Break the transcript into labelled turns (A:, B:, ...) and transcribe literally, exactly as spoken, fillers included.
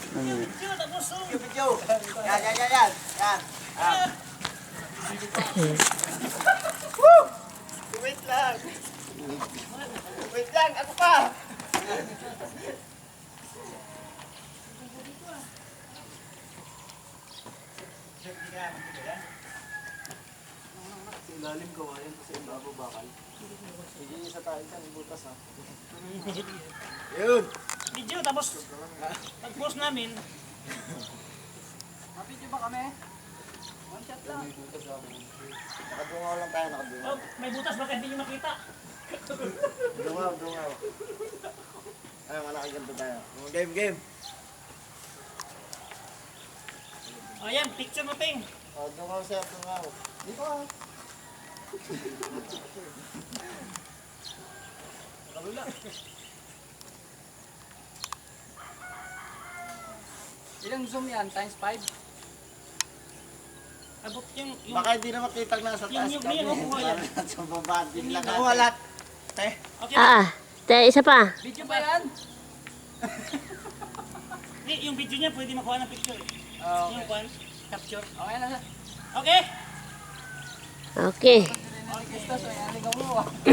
A: Video, tapos zoom.
B: Video. Yan, yan, yan, yan. Yan. Ah. Woo! Wait lang. Wait lang, ako pa. Ilalim ko yan kasi ibabaw bakal. Hindi isa tayo dyan, butas ha. Yun.
A: Video, tapos pag-post namin.
B: Mapidyo ba kami? One shot lang. Nakadungaw lang tayo, nakadungaw.
A: Oh, may butas, baka hindi nyo makita.
B: Dungaw, dungaw. Ay, malaki ganito tayo. Game, game.
A: Ayan, picture mo, Ping.
B: Oh, dungaw sir, dungaw. Dito ah.
A: Nakalula.
C: Ilang zoom yan? Times five?
A: Abot yung... yung
B: Baka hindi na makita na sa taas
A: Yung- yung-
B: kami.
A: yung nakuha yan.
B: Sa baba, din lang
A: Yung
B: nakuha lahat. Te.
A: okay,
D: Ah, te, isa pa.
C: Video ba yan?
A: Hindi, yung video niya pwede makuha ng picture.
C: Oh,
A: Yung kwan, capture.
C: okay na.
A: Okay?
D: Okay.
C: Gusto, so yan, ligaw mo.